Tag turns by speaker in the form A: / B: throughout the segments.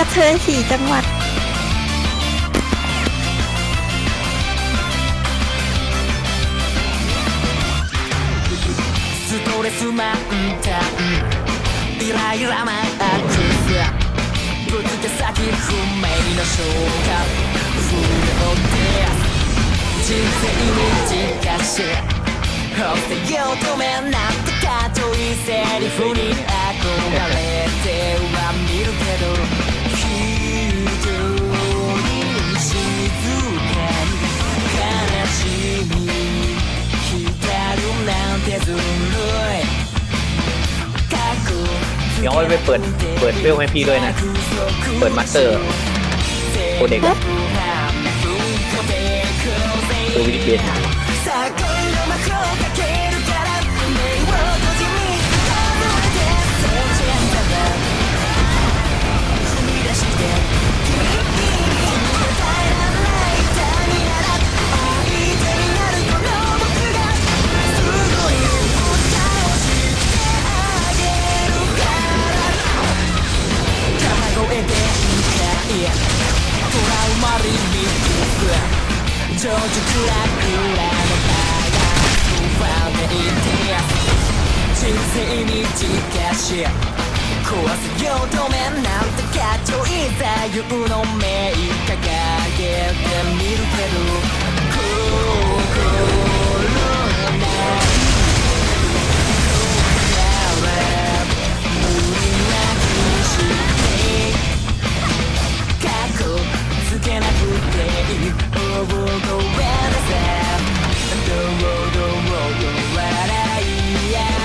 A: เธอ4 จังหวัด
B: ストレス満タンイライラマックスぶつけ先不明の瞬間不良です人生に近し押せよ止めなんてかっちょいいセリフに憧れては見るけど非常に静かに悲しみ光るなんてずるい
C: เดี๋ยวไปเปิดเฟลให้พี่ด้วยนะเปิดมาสเตอร์โคเด็กตัววิดีเบน
B: 情緒クラクラのバランスはめいて人生に近し壊すよ止めなんてかっちょいい座右の銘掲げてみるけど心ない無理なくして過去つけなくていいOh, go and say, do what I am.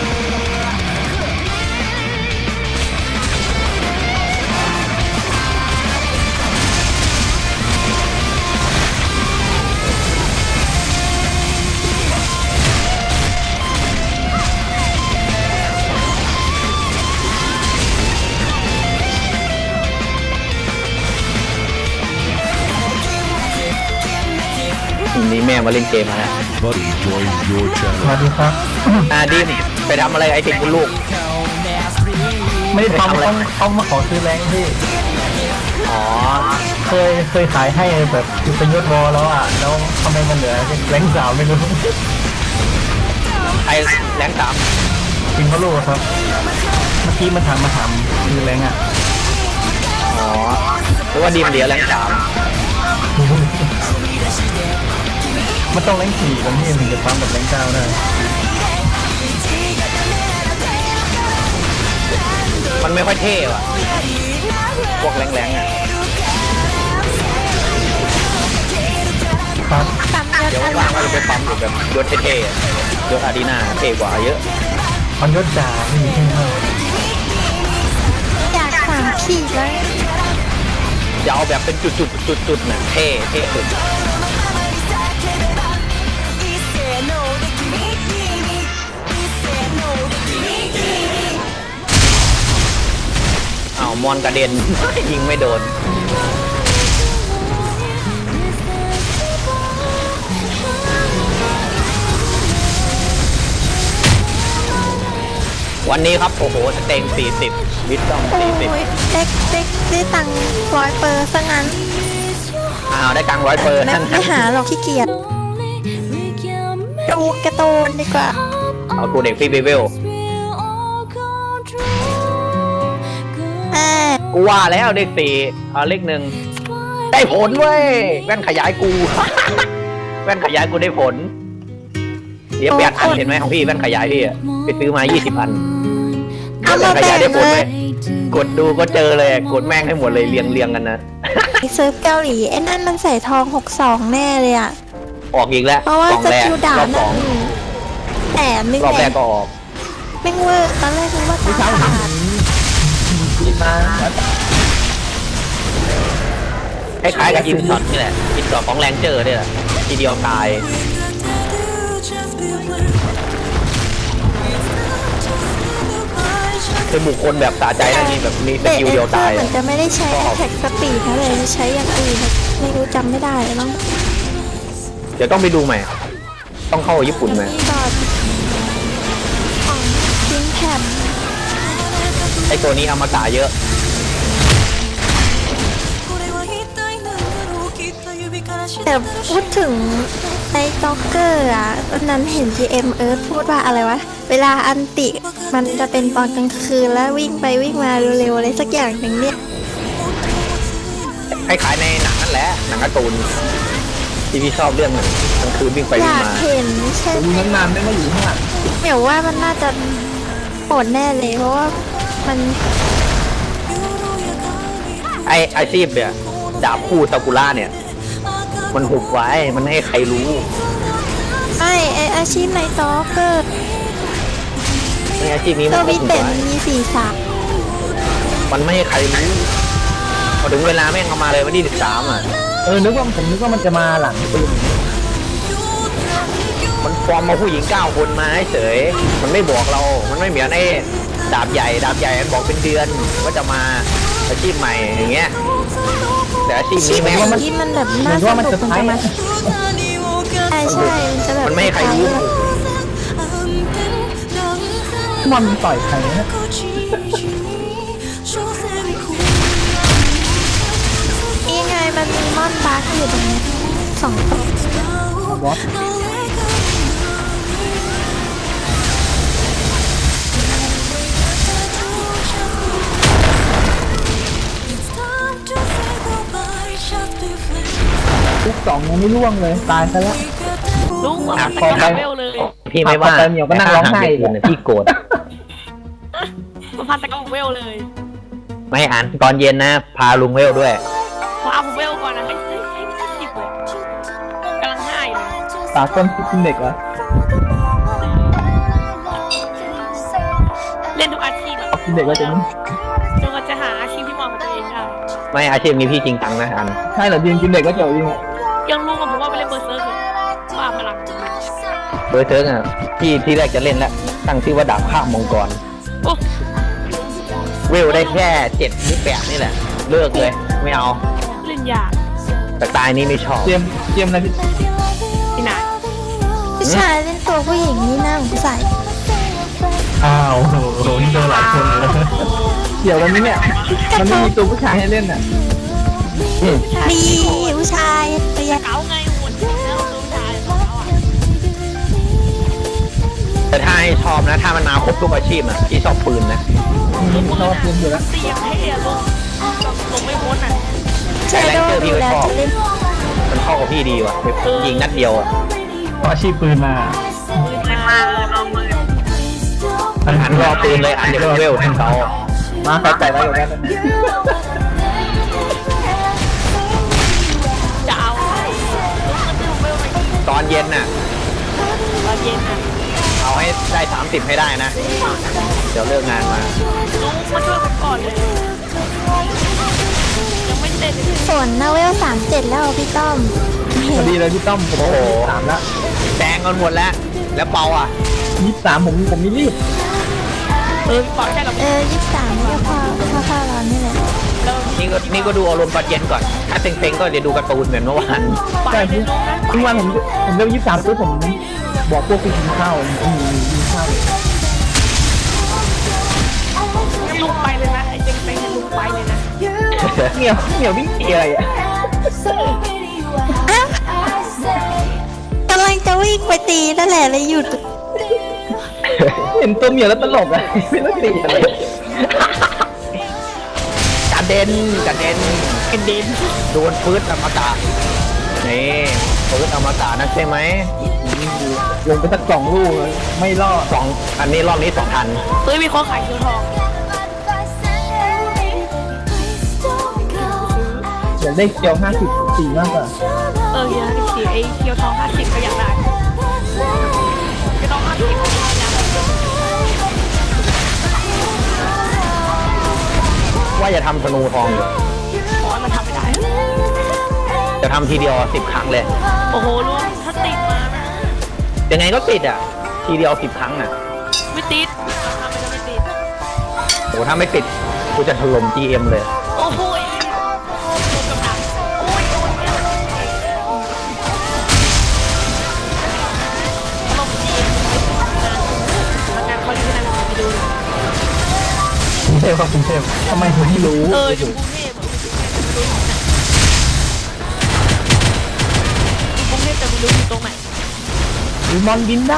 C: นี่แม่มาเล่นเกมมาแล้ว
D: Buddy joined your
E: ส
D: channel.
E: วัสดีครับ
C: ดิมไปทำอะไรไอเทคคุณลูก
E: ไม่ได้ทำเขามาขอซื้อแรงพี่
C: อ๋อ
E: เคยขายให้แบบเป็นยศวอแล้วอ่ะแล้วทำไมมันเหลือแรงสาวไม่รู้
C: ไอแรงสาม
E: จริงเขาลูกครับเมื่อกี้มันถามซื้อแรงอ่ะ
C: อ๋อเพราะว่าดิมเหลือแรงสาม
E: มันต้องแรง4แล้วพี่ถึงจะปั๊มแบบแรง9ได้
C: มันไม่ค่อยเท่ว่ะพวกแรงๆอ่ะ
E: ครับ
A: ปั๊มยศ
C: เดี๋ยว
A: อะไร
C: ว่างๆก็จะไปปั๊มอยู่แบบยศเท่ๆอะยศอารีนาเท่กว่าเยอะ
E: มันยศจ่าพี่ใช่ไหม
A: อยาก3 ขีดแล้ว
C: จะเอาแบบเป็นจุดๆน่ะเท่สุดอ้าวมอนกระเด็น ยิงไม่โดนวันนี้ครับโอ้โหสเต็ง40วิตต้อง
A: โอ้ย
C: 40
A: เด็กได้ตังค์100%ซะงั้น
C: อ้าวได้กลาง100%เปอร์
A: ไม่หาหรอกขี้เกียจดูการ์ตูนดีกว่า
C: เอาตัวเด็กฟรีเบเวล กูว่าแล้วเลข4เอาเลข1ได้ผลเว้ยแว่นขยายกู แว่นขยายกูได้ผลเดี๋ยว8 อันเห็นไหมของพี่แว่นขยายพี่อะไปซื้อมา20 อัน
A: เอามา
C: แว่นขยายได้ผล
A: แบ่งเล
C: เลย ยกดดูก็เจอเลยกดแม่งให้หมดเลยเรียงกันนะ
A: เซิร์ฟเกาหลีไอ้นั่นมันใส่ทอง62แน่เลยอ่ะ
C: ออกอีกแล้ว
A: เพราะว่าก
C: ล่อง
A: ส
C: แรก
A: กิลดาร
C: อ
A: บบ
C: สอง
A: แต่ไม่
C: รอบแร
A: แน่
C: กก็ออก
A: แม่งเวอร์ตอนแรกนึกว่าตาขาด
C: คล้ายๆกับอินช็อตนี่แหละอินช็อตของแรงเจอร์เนี่ยแหละทีเดียวตายคือบุคคลแบบสะใจนั่นนี่แบบมีสกิลเดียวตาย
A: เหมือนจะไม่ได้ใช้แท็กสปีดนะเลยใช้อย่างอื่นไม่รู้จำไม่ได้แล้วมั้ง
C: เดี๋ยวต้องไปดูใหม่ต้องเข้าญี่ปุ่นไหม
A: ก่อนของจิงแคม
C: ไอตัวนี้อมตะเยอะ
A: แต่พูดถึงในจ็อกเกอร์อ่ะตอนนั้นเห็น GM เอิร์ธพูดว่าอะไรวะ เวลาอันติมันจะเป็นตอนกลางคืนแล้ววิ่งไปวิ่งมาเร็วๆอะไรสักอย่างหนึ่งเนี่ย
C: คล้ายๆในหนังนั่นแหละหนังการ์ตูนที่พี่ชอบเรื่องกลางคืนวิ่งไป
A: อ
C: วิ่ง
A: ยาก
C: มา
A: เห็นใช่
E: ผม
A: ไหม
E: นานๆไม่มาอยู่ข้างหลัง
A: เหมียวว่ามันน่าจะโหดแน่เลยเพราะว่ามัน
C: ไออาชีพเนี่ยดาบคู่ซากุระเนี่ย มันหุบไว้มันไม่ให้ใครรู้
A: ไออาชีพในจ็อกเกอร์
C: ในอาชีพนี้
A: ตั
C: มั
A: วน
C: ก็
A: วิ
C: หุบ
A: เต็น
C: ไว้
A: มีสี่สาม
C: มันไม่ให้ใครรู้พอถึงเวลาแม่งเข้ามาเลยวันที่13อ่ะ
E: ผมนึกว่ามันจะมาหลังปืน
C: มันฟอร์มมาผู้หญิง9 คนมาเฉยมันไม่บอกเรา มันไม่เหมือนไอ้ดาบใหญ่มันบอกเป็นเดือนว่าจะมาอาชีพใหม่อย่างเงี้ยแต่อาชีพนี้แม่ง
A: ที่มันแบบ
E: เหมื
A: น่า
E: อน
A: ส
E: ว่ามัน
A: นุ
E: จะ
A: กมัน
E: ใช้
A: จะมาใช่มันจะแบบ
C: มันไม่ให้ใครรู้
E: มันต่อยใครนะ
A: นี่ไงมันมีมอนบาร์อยู่ตรงนี้2 ตัว
E: บอส ทุก2ยังไม่ล่วงเลยตายซะแล้ว
D: ลุง
C: อ่ะ
D: มัน
C: พอ
D: จะ
C: ไป
D: เวลเลย
C: พี่ไม่ว่า
E: พอไปเหมียวก็นั่งร้องไห้อีก
C: แต่ถ้าหากเด็กอื่นน่ะพี่โกรธ
D: มันพันตะกเวลเลย
C: ไม่อ่านตอนเย็นนะ พาลุงเวลด้วย
D: พอเอาผมเวลก่อนนะให้จิบเลยกำลังง่ายเลย
E: ตาต้นคิดเด็กเหรอ
D: เล่นทุกอาชีพแบบ
E: คิดเด็กว่าจะนี่
D: จนกว่าจะหาอาชีพที่เหมาะกับตัวเองได้
C: ไม่อาชีพนี้พี่จริงจังนะอัน
E: ใช่เหรอจริงคิดเด็กก็เจ๋อจริง
D: ยังลุงกับผมว่าไปเล่นเบอร์เซอร์คือว่าพลัง
C: เบอร์เทิร์กอ่ะพี่ที่แรกจะเล่นแล้วตั้งชื่อว่าดาบข้ามมังกร
D: โอ้
C: เวลได้แค่7 หรือ 8นี่แหละ เลิกเลย ไม่เอา
D: เล่นยาก
C: แต่ตายนี้ไม่ชอบ
E: เจียมอะไรพี่
D: ที่ไหน
A: ผู้ชายเล่นตัวผู้หญิงนี่น่าสงสัย
E: อ้าวโหนี่โดนหลายคนเลยเกี่ยวกันไหมเนี่ยมันไม่มีตัวผู้ชายให้เล่นอ่ะ
A: ดีผู้ชายเรียก
D: เก๋าไงหุ่นแล้วตัวชายของเขาอ่ะ
C: แต่ถ้าให้ชอบนะ ถ้ามันมาครบทุกอาชีพอ่ะพี่ชอบปืนนะ
E: ชอบปืนอยู่แล้ว
D: เสียงเท่ลุงลงไม่พ้นอ่ะ
A: เชโดว์ดูแล้วจะเล่น
C: มันเข้ากับพี่ดีว่ะยิงนัดเดียวอ่ะ
E: เพราะอาชีพปืนมา
D: มาลองมือ
C: อันรอปืนเลยอันเดียวเวลแทนเขา
E: มาใส่ใจไว้อยู่แล้ว
D: จะเอาลุงมันจะเวลไปที่
C: ตอนเย็นน่ะ
D: ตอนเย็นอ่ะ
C: เอาให้ได้30ให้ได้นะ เดี๋ยวเลิกงานมา
D: ลุงมาช่วยผมก่อนเลยยังไม่เสร็จเลย
A: ฝนนาเวล37แล้วพี่ต้อม
E: พอดีเลยพี่ต้อมผม23แล้ว
C: แดงกันหมดแล้ว แล้วเปาอ่ะ
E: 23ผมไม่รีบ
D: ปล่อยแค่เรา
A: 23นี่ก็พอเรานี่แหละ
C: นี่ก็ดูอารมณ์ตอนเย็นก่อน ถ้าเซ็งๆก็เดี๋ยวดูการ์ตูนเหมือนเมื่อวาน
D: ไป
E: ใช่
D: เลย
E: พี่
D: ลุงนะ
E: ทุกวันผมเริ่ม23ปุ๊บผมบอกพวกไปกินข้าวกินข้าว
D: ลุงไปเลยนะไอ้เจ๊งไปให้ลุงไปเลยนะ
E: เหนียววิ่งเกียร์อะไรอ่ะ
A: กำลังจะวิ่งไปตีนั่นแหละเลยหยุด
E: เห็นตัวเหมียวแล้วตลกอ่ะไม่รู้ตีอะไร
C: กระเด็นกระเด็น
D: กระเด็น
C: โดนปืนอมตะนี่ปืนอมตะนะใช่ไหม
E: ลงไปสัก2 ลูกไม่รอด
C: อันนี้รอบนี้2 ทัน
D: เฮ้ยมีคนขายเคียวทอง
E: อยากได้เกียว54มากกว่า
D: เฮียสีไอ้เคียวทอง50ก็อยากได้เคียวทอง50ก็อยากได้
C: ว่าจะทำธนูทองอยู่
D: ขอให้มันทำไม่ได้
C: จะทำทีเดียว10 ครั้งเลย
D: โอ้โหลุงถ้าติดมานะ
C: ยังไงก็ติดอ่ะ ทีเดียว10 ครั้งอ่ะ
D: ไม่ติดทำมันจะไม่ติด
C: โหถ้าไม่ติดกูจะถล่ม GM เลย
D: โอ้โหโดนกำลังโอ้ยโดนเนี่ยลงจีมันงานเขาอยู่ที่ไหนผมไปดู
E: กรุงเทพครับกรุงเทพทำไมผมไม่รู้
D: อยู่กรุงเทพไม่รู้อยู่ตรงไหน
E: วิมอนบินได้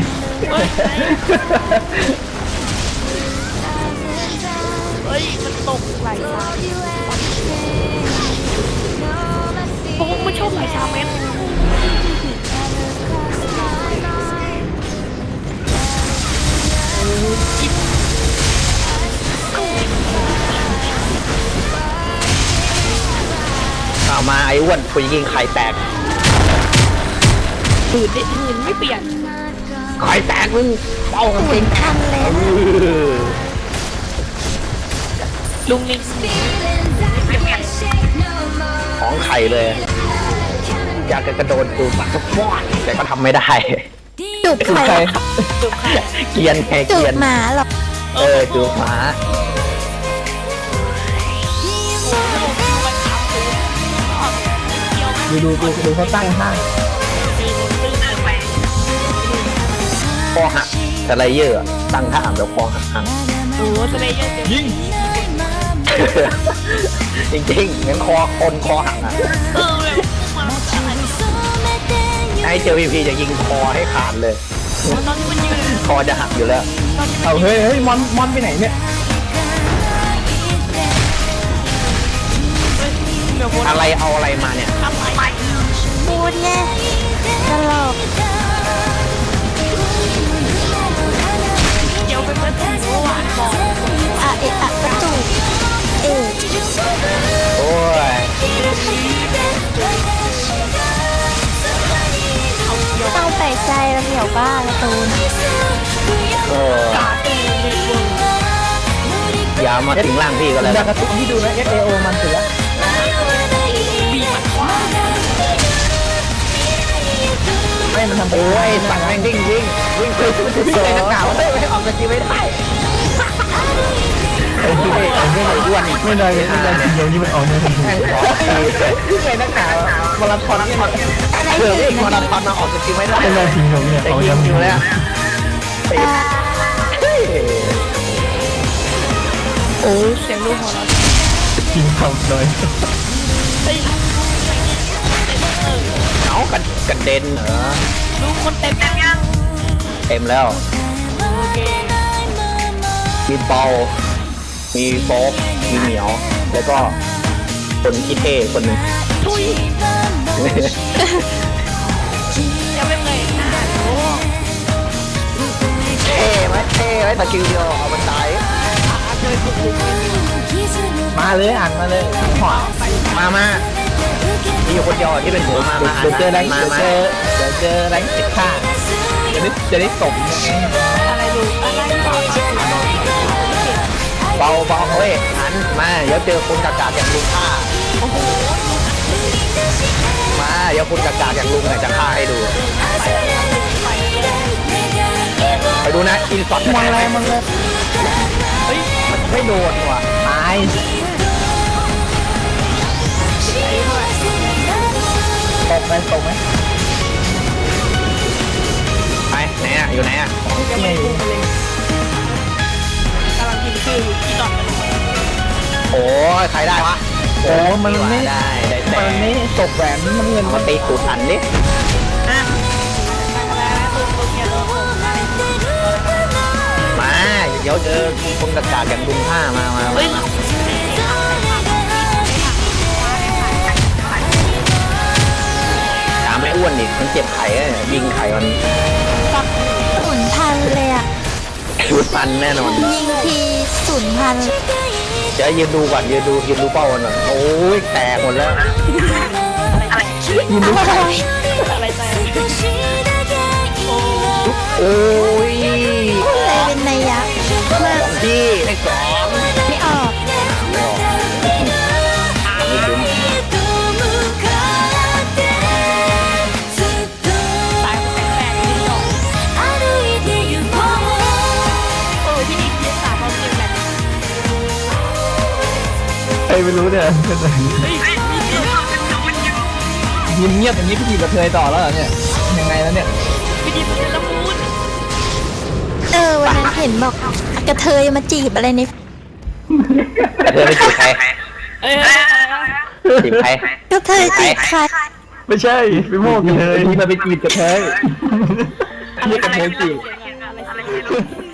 D: เฮ้ยมันตกไหลทางพวกไม่ชอบไหลทางเม็ด
C: เอามาไอ้อ้วนกูจะยิงไข่แตก
D: หืนไม่เปลี่ยน
C: ไข่แตกมึงเป้ากันจริง
A: ทันเลยนะ
D: ลุงนี่
C: ของไข่เลย อยากจะกระโดดจูบมันสักฟอดแต่ก็ทำไม่ได้
A: จูบใคร
D: จุกค่ะ
C: เกรียนไง
A: จู
C: เกรีย
A: บ
C: น
A: หมาหรอ
C: จูบหมา
E: ดูเขาตั้งห้าง
C: คอหักสไลเยอร์อะตั้งท่าแบบคอหัก
D: โอ้โหสเลเยอร์ยิง
C: จริงๆเหมือนคอหักอ่ะ
D: เลยมาอะไร
C: ให้เจอพีจะยิงคอให้ขาดเลย
D: ตอนที่มันยืน
C: คอจะหักอยู่แล้ว
E: เอาเฮ้ยมอนไปไหนเนี่ย
D: เดี๋ยววน
C: อะไรเอาอะไรมาเนี่ย
D: ทำไม
A: พูดไงตลก
D: เดี๋ยวไปเปิดถุงหวานบอก
A: อะเอะอะกระจูบเอะ
C: โอ้ย
A: ต้องแปลกใจแล้วเดี๋ยวบ้าละตูน
C: เอออย่ามาถึงร่างพี่ก็แล้ว
E: จาก
C: กัน
E: การ์ตูนที่ดูนะ FAO มันเสือ
D: บีมันขวา
E: ไม่มันทำ
C: โอ้ยสัตว์แม่งวิ่งเลยนักหนาวเลยไม่ออกสกิลไม่ได้
E: ไอ้ที่ไม่อ้วนไม่ได้ทีเดียวนี่มันออกเนี่ยทันที
C: แม่งขอทีวิ่งเลยนักหนาวมาราธอนนี่มันวิ่งมาราธอนมาออกสกิลไม่ได้
E: เป็นไรทีเดียวเนี่ย
C: แต่
E: เอา
C: ยิ
E: ยัง ง
C: อยู่แล้ว
D: โอ้เสียงลูกของเรา
E: ทีมทำเลย
D: เฮ้ย
C: เอากระเด็นเหรอ
D: ลูกคนเต็มยัง
C: เต็มแล้ว
D: โอเค
C: มีเปามีโฟกมีเหมียว แล้วก็คนที่เท่คนหนึ่ง
D: ทุยยังไม่เคยโอ้
C: เท่ไหมสกิลเดียวเอามันตาย
D: เคยถูกลุง
E: มาเลยอ่านมาเลยหอ
C: มามีอยู่คนเดียวที่เป็นหัวมา
E: เดี๋ยวเจอแรง
C: มา
E: เดี๋ยวเจอแรงติดข้าจะได้สม
D: อะไรลูกอะไรต่อ
C: เบาเฮ้ยหันมาเดี๋ยวเจอคนกากาอย่างลุงฆ่า
D: โอ้โห
C: มาเดี๋ยวคนกากาอย่างลุงเนี่ยจะฆ่าให้ดูไปดูนะอินสอด
E: มันแรงมันเลย
C: เฮ้ยมันไม่โดนว่ะ
E: ตายตกไหม
C: ไปไหนอ่ะอยู่ไหนอ่ะ
D: ยังไม่พุ่งไปเลยกำลังพิมพ์ชื่ออยู่ที่นอน
C: โอ้ยใครได้วะ
E: โอ้มันไม่
C: ได้แต่
E: มันไม่ตกแหวนน้ำเงิน
C: มาตีตูดอันดิ
D: อ่ะแล้วตัวเมียตัวผม
C: มาเดี๋ยวเจอคนกากาอย่างลุงฆ่ามา
D: เฮ้ย
C: ตามไม่อ้วนอีกมันเจ็บไข่ยิงไข่มัน
A: ศูนย์พันเลยอะ
C: ชุดปันแน่นอน
A: ยิงที0,000
C: เดี๋ยวยืนดูก่อนยืนดูเป้ากันหน่อยโอ้ยแตกหมดแล้ว
E: ยินดีค่ะ
D: อะไรใจโอ้
C: โอ้ย
A: อะไรเป็นนัยยะมาก
C: ของพี่ได้สอง
A: ไม่ออก
C: ยืนดู
D: ตายแปลกๆนี่หรอที่นี่ที่3เราเรียนแบบ
E: ใครไม่รู้เนี่ย
D: เฮ้ย
E: ยิ้มเงียบอย่างนี้พี่ดีกับเธอต่อแล้วเหรอเนี่ยยังไงแล้วเนี่ย
D: พี่ดิบเป็นละมุน
A: วันนั้นเห็นบอกกระเทยมาจีบอะไรใน
C: แต่เธอไม่จีบใคร
D: เอ้ย
C: จีบใคร
A: กระเทยจีบใคร
E: ไม่ใช่ไปโม่กันเลย
C: นี่มันเป็นจีบกระเทย
D: อะไร
E: เรียกกันโมจิ
D: อะไร